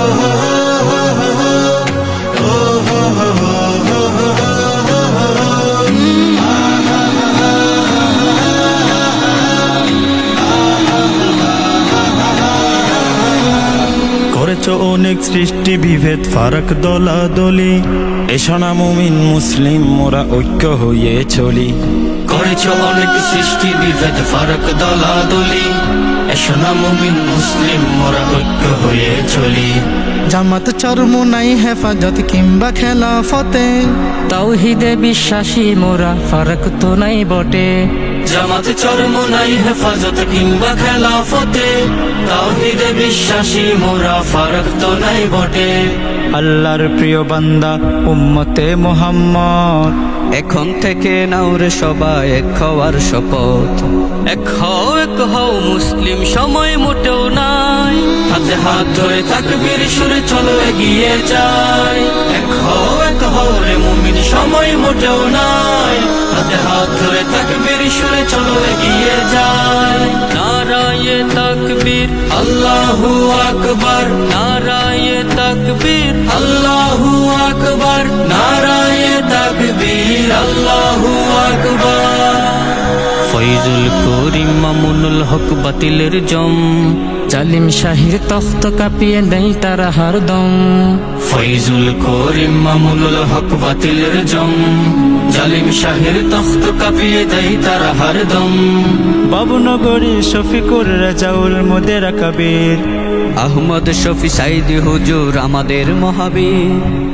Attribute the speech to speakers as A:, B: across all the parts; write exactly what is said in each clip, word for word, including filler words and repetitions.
A: করেছ অনেক সৃষ্টি বিভেদ ফারাক দলাদলি, এসো না মুমিন মুসলিম মোরা ঐক্য হয়ে চলি।
B: করেছ অনেক সৃষ্টি বিভেদ ফারাক দলাদলি, এসো না মুমিন মুসলিম মোরা ঐক্য হয়ে চলি।
C: জামাত চরমোনাই হেফাজত কিংবা খেলাফতে,
D: তাওহীদে বিশ্বাসী মোরা ফারাক তো নাই বটে।
B: জামাত চরমোনাই হেফাজত কিংবা খেলাফতে, তাওহীদে বিশ্বাসী মোরা ফারাক তো নাই বটে।
A: আল্লাহর প্রিয় বান্দা উম্মতে মুহাম্মদ,
E: এখন থেকে নাও রে সবাই এক হওয়ার শপথ।
D: এক হও এক হও মুসলিম সময় মোটেও নাই,
B: হাতে হাত ধরে তাকবীর সুরে চলো এগিয়ে যাই। এক হও এক হও রে মুমিন সময় মোটেও নাই, হাতে হাত ধরে তাকবীর সুরে চলো এগিয়ে যাই।
D: নারায়ে তাকবীর
B: আল্লাহু আকবার,
D: নারায়ে তাকবীর
B: আল্লাহু আকবার, নারায়ে তাকবীর আল্লাহু আকবার।
D: ফয়জুল করিম মামুনুল হক বাতিলের জম, জালিম শাহির তখ্ত কাঁপিয়ে দেয় তারা হরদম।
B: ফয়জুল করিম মামুনুল হক বাতিলের জম, জালিম শাহের তখ্ত কাঁপিয়ে দেয় তারা হরদম।
A: বাবুনগরী শফিকুর রাজাউল মুদেরা কবির,
E: আহমদ শফি সাইদি হুজুর আমাদের মহাবীর।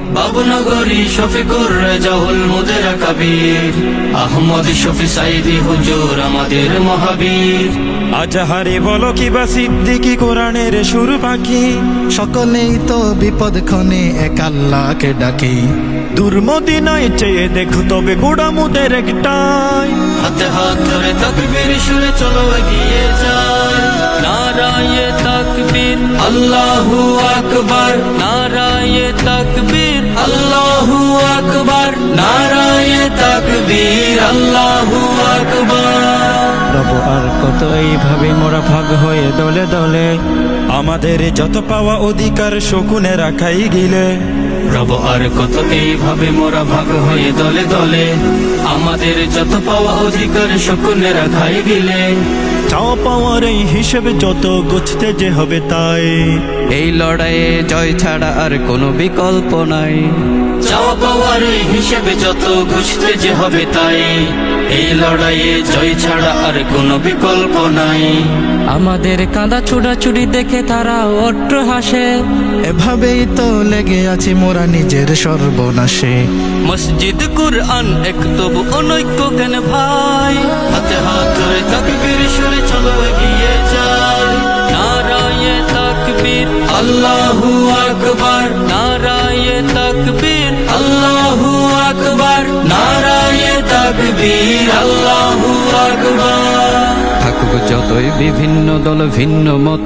B: বাবুনগরী শফিকুর রেজাউল মুদেরা কবির, আহমদ শফি সাইদি হুজুর আমাদের মহাবীর।
A: আজাহারে বলো কিবা সিদ্দিকি কোরআনের সুর পাখি,
C: সকলেই তো বিপদ ক্ষণে এক আল্লাহকে ডাকি।
A: দুর্মদিনায় চেয়ে দেখো তবে গোড়ামুদের একটাই,
B: হাতে হাত ধরে তাকবীর সুরে চলো এগিয়ে যাই।
D: নারায়ে তাকবীর
B: আল্লাহু আকবার,
D: নারায়ে তাকবীর
B: আল্লাহু আকবার, নারায়ে তাকবীর আল্লাহু আকবার।
A: রব আর কত এইভাবে মোরা ভাগ হয়ে দলে দলে, আমাদের যত পাওয়া অধিকার শকুনে রাখাই গিলে।
B: রব আর কত এইভাবে মোরা ভাগ হয়ে দলে দলে, আমাদের যত পাওয়া অধিকার শকুনে রাখাই গিলে।
A: চাওয়া পাওয়ার এই হিসেবে যত গুছতে যে হবে তাই,
E: এই লড়াইয়ে জয় ছাড়া আর কোনো বিকল্প নাই।
B: চাওয়া পাওয়ার এই হিসেবে যত ঘুষতে যে হবে তাই, এই লড়াইয়ে জয় ছাড়া আর কোনো বিকল্প নাই।
D: আমাদের কাঁদা চুড়াচুড়ি দেখে তারা অট্ট হাসে,
C: এভাবেই তো লেগে আছি মোরা নিজের সর্বনাশে।
D: মসজিদ কুরআন এক তবু অনৈক্য কেন ভাই,
B: হাতে হাত ধরে তাকবীর সুরে চলো এগিয়ে যাই।
D: নারায়ে তাকবীর
B: আল্লাহু আকবার,
D: নারায়ে তাকবীর
B: আল্লাহু আকবার, নারায়ে তাকবীর আল্লাহু আকবার।
E: থাকুক যতই বিভিন্ন দল ভিন্ন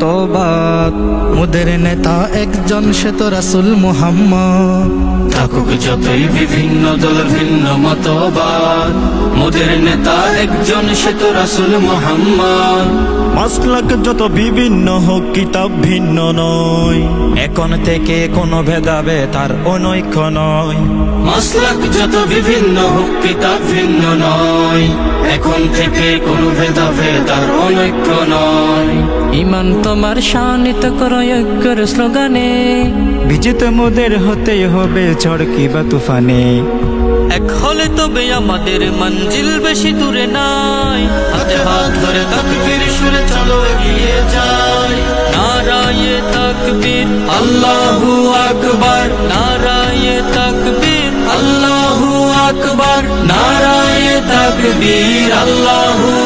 E: মতবাদ,
C: মোদের নেতা একজন সে তো রাসূল মুহাম্মদ।
B: থাকুক যতই বিভিন্ন দল ভিন্ন মতবাদ, মোদের নেতা একজন সে তো রাসূল মুহাম্মদ।
A: মাসলাক যত বিভিন্ন হোক কিতাব ভিন্ন নয়, এখন থেকে কোনো ভেদাভেদ তার অনৈক্য নয়।
B: মাসলাক যত বিভিন্ন হোক কিতাব ভিন্ন নয়, এখন থেকে কোনো ভেদাভেদ আর অনৈক্য নয়।
D: ইমান তোমার শানিত করো ঐক্যের স্লোগানে,
A: বিজিত মোদের হতেই হবে ঝড় কিবা তুফানে।
D: এক হলে তবে আমাদের মঞ্জিল বেশি দূরে নাই।
B: হাতে হাত ধরে তাকবীর সুরে চলো এগিয়ে যাই।
D: নারায়ে তাকবীর
B: আল্লাহু আকবার,
D: নারায়ে তাকবীর
B: আল্লাহু আকবার, নারায়ে তাকবীর আল্লাহু